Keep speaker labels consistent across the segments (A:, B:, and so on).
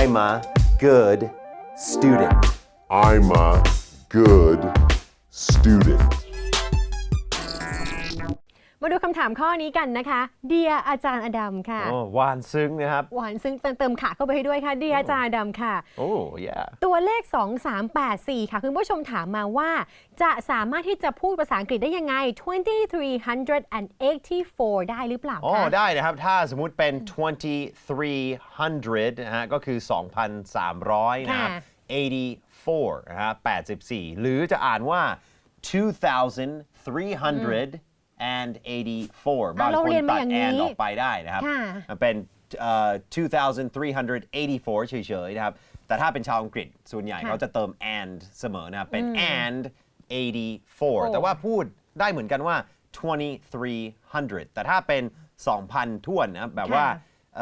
A: I'm a good student
B: I'm a good student
C: มาดูคำถามข้อนี้กันนะคะ Dear อาจารย์อดัมค่ะ
A: หวานซึ้งนะครับ
C: หวานซึ่งเติมขาเข้าไปให้ด้วยค่ะ Dear อาจารย์อดัมค่ะ
A: yeah
C: ตัวเลข 2384 ค่ะคุณผู้ชมถามมาว่า จะสามารถที่จะพูดภาษาอังกฤษได้ยังไง 2384 ได้หรือเปล่าคะ
A: ได้นะครับ ถ้าสมมุติเป็น 2300 นะฮะ ก็คือ 2,300 นะครับ 84 นะฮะ 84 หรือจะอ่านว่า 2,384 บางคนตัด and ออกไปได้นะครับ เป็น 2,384 เฉยๆนะครับ แต่ถ้าเป็นชาวอังกฤษส่วนใหญ่เขาจะเติม and เสมอนะครับ เป็น and 84 แต่ว่าพูดได้เหมือนกันว่า 2,300 แต่ถ้าเป็น 2,000 ถ้วนนะครับแบบว่า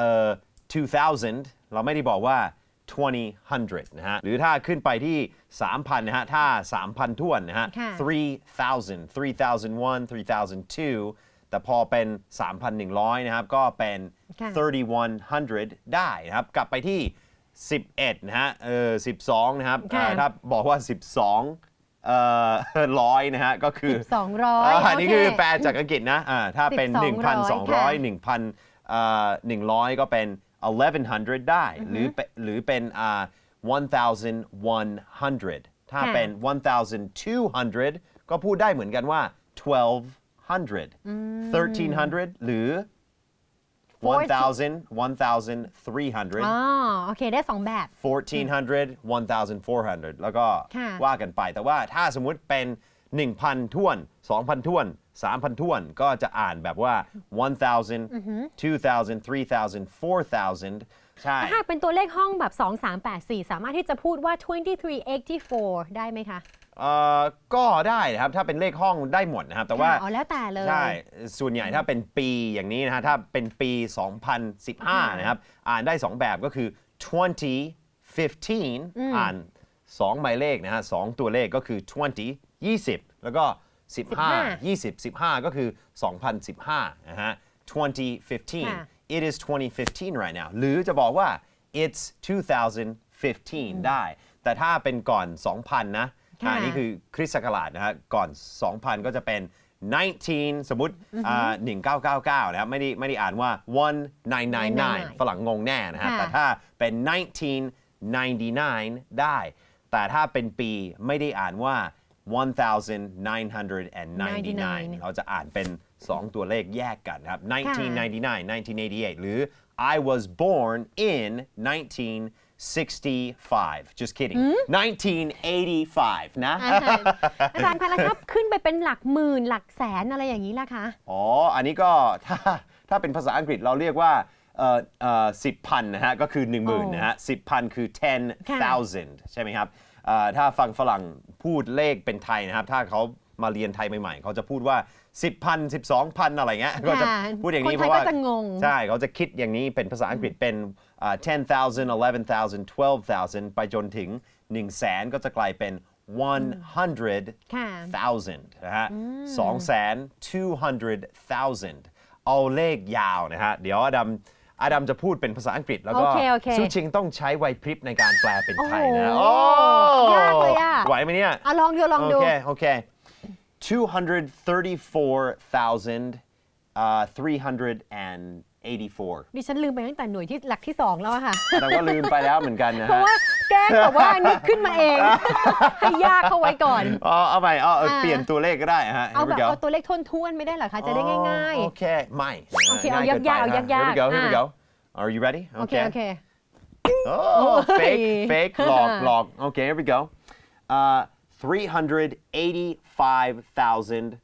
A: 2,000 เราไม่ได้บอกว่า 2,000 นะฮะ หรือถ้าขึ้นไปที่ 3,000 นะฮะ ถ้า 3,000 ถ้วนนะฮะ 3,000 3,001 3,002 แต่พอเป็น 3,100 นะครับ ก็เป็น 3,100 ได้นะครับ กลับไปที่ 11 นะฮะ 12 นะครับ ถ้าบอกว่า 12ร้อยนะฮะ ก็คือ
C: 200
A: อันนี้คือแปลจากอังกฤษนะถ้าเป็น 1,200 1,100 ก็เป็น 1,100 ได้ หรือเป็น1,100 ถ้าเป็น 1,200 ก็พูดได้เหมือนกันว่า 1,200 1,300 หรือ 1,300
C: โอเค ได้ 2 แบบ
A: 1,400 1,400 แล้วก็ว่ากันไป แต่ว่าถ้าสมมุติเป็น 1,000 ถ้วน 2,000 ถ้วน 3,000 ถ้วน ก็จะอ่านแบบว่า 1,000 2,000 3,000 4,000 ใช่
C: ถ้าเป็นตัวเลขห้องแบบ 2384 สามารถที่จะพูดว่า 2384 ได้ไหมคะ
A: ก็ได้นะครับ ถ้าเป็นเลขห้องได้หมดนะครับ แต่ว่า
C: แล้วแต่เลย
A: ใช่ ส่วนใหญ่ถ้าเป็นปีอย่างนี้นะฮะ ถ้าเป็นปี 2015 นะครับ อ่านได้ 2 แบบก็คือ 2015 อ่าน 2 หมายเลขนะฮะ 2 ตัวเลขก็คือ 20 20 แล้วก็ 15 15 ก็คือ 2015 นะฮะ 2015 it is 2015 right now หรือจะบอกว่า it's 2015 ได้ แต่ถ้าเป็นก่อน 2000 นะอันนี้คือคริสต์ศักราชนะฮะ ก่อน 2000 ก็จะเป็น 19 สมมุติ1999 นะครับ ไม่ได้อ่านว่า 1999 ฝรั่งงงแน่นะฮะ แต่ถ้าเป็น 1999 ได้ แต่ถ้าเป็นปีไม่ได้อ่านว่า 1999 เราจะอ่านเป็น 2 ตัวเลขแยกกันครับ 1999 1988 หรือ I was born in 1965 just kidding 1985 นะ
C: อาจารย์คะแล้วถ้าขึ้นไปเป็นหลักหมื่นหลักแสนอะไรอย่างนี้ล่ะคะ
A: อันนี้ก็ถ้าเป็นภาษาอังกฤษเราเรียกว่า10,000 นะฮะ ก็คือ 10,000 นะฮะ 10,000 คือ 10,000 ใช่ไหมครับ ถ้าฟังฝรั่งพูดเลขเป็นไทยนะครับ ถ้าเขามาเรียนไทยใหม่ๆ เขาจะพูดว่า 10,000 12,000 อะไรเงี้ย ก็จะพูดอย่างนี้เพราะว่าใช่เขาจะคิดอย่างนี้เป็นภาษาอังกฤษเป็น 10,000 11,000 12,000 ไปจนถึง 100,000 ก็จะกลายเป็น 100,000 นะฮะ 200,000 เอาเลขยาวนะฮะ เดี๋ยวอดัมจะพูดเป็นภาษาอังกฤษแล้วก็ซูชิงต้องใช้ไหวพริบในการแปลเป็นไทยนะ
C: ยากเลยอ่ะ
A: ไหวไหมเนี่ย
C: ลองดู
A: โอเค 234,384
C: ดิฉันลืมไปตั้งแต่หน่วยที่หลักที่ 2 แล้วค่ะ
A: แต่ก็ลืมไปแล้วเหมือนกันนะ
C: เพราะว่าแกล้งแบบว่านึกขึ้นมาเอง ให้ยากเข้าไว้ก่อน
A: เอาไปเปลี่ยนตัวเลขก็ได้ฮะ
C: เอาแบบเอาตัวเลขท้วนๆไม่ได้เหรอคะ จะได้ง่าย
A: ๆโอเคไม่
C: โอเคเอายากๆ
A: Here we go Are you ready
C: โอเค
A: fake หลอก Okay here we go 385,500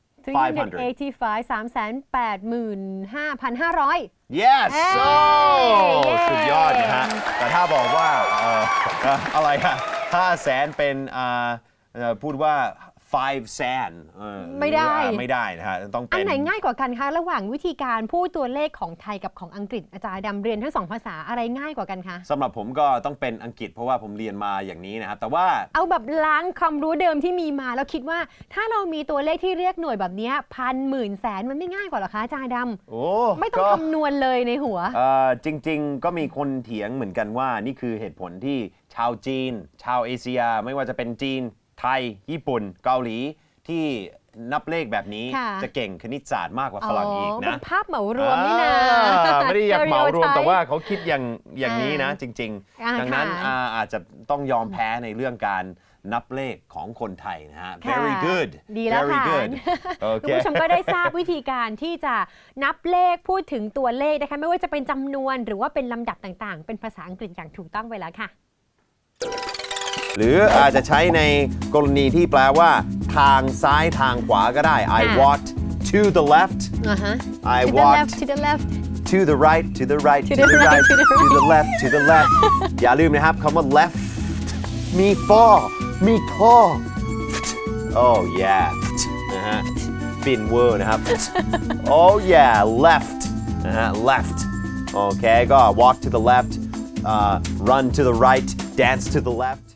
C: 385,500
A: Yes สุดยอดนะฮะ แต่ถ้าบอกว่าอะไรฮะ500,000 เป็นพูดว่า 5 cent
C: ไม่ได้
A: ไม่ได้นะฮะต้อง
C: อั
A: เป็น น
C: ไหนง่ายกว่ากันคะระหว่างวิธีการพูดตัวเลขของไทยกับของอังกฤษอาจารย์ดำเรียนทั้งสองภาษาอะไรง่ายกว่ากันคะ
A: สำหรับผมก็ต้องเป็นอังกฤษเพราะว่าผมเรียนมาอย่างนี้นะครับแต่ว่า
C: เอาแบบล้างความรู้เดิมที่มีมาแล้วคิดว่าถ้าเรามีตัวเลขที่เรียกหน่วยแบบเนี้ยพันหมื่นแสนมันไม่ง่ายกว่าเหรอคะอาจารย์ด
A: โอ้
C: ำไม่ต้อง
A: ก็
C: คำนวณเลยในหัว
A: จริงๆ ก็มีคนเถียงเหมือนกันว่านี่คือเหตุผลที่ชาวจีน ชาวเอเชีย ไม่ว่าจะเป็นจีน ไทย ญี่ปุ่น เกาหลี ที่นับเลขแบบนี้
C: ค่ะ
A: จะเก่งคณิตศาสตร์มากกว่าฝรั่งอีก
C: เป็
A: นะ
C: นภาพเหมารวมนี่นะ
A: ไม่ได้อยากเหมารวม
C: Stereotype
A: แต่ว่าเขาคิดอย่างนี้นะจริง
C: อ่า
A: ๆ ดังนั้น
C: ค่ะ
A: อาจจะต้องยอมแพ้ในเรื่องการนับเลขของคนไทยนะฮะ
C: ค่ะ
A: very good
C: ดีแล้ว
A: very
C: ค่ะ
A: good โอ
C: คุณ
A: เค
C: ผู้ชมก็ได้ทราบวิธีการที่จะนับเลขพูดถึงตัวเลขนะคะไม่ว่าจะเป็นจำนวนหรือว่าเป็นลำดับต่างๆ เป็นภาษาอังกฤษอย่างถูกต้องไปแล้วค่ะ
A: หรืออาจจะใช้ในกรณีที่แปลว่า ทางซ้ายทางขวาก็ได้ I
C: ค่ะ
A: walked to the left I
C: to the
A: walked
C: left to the left
A: to the right to the right
C: To the right, to the
A: to the left to the left อย่าลืมนะครับคำว่า left มี for มี to oh yeah นะฮะฟินเวอร์นะครับ oh yeah left นะฮะ left โอเคก็ walk to the left run to the right dance to the left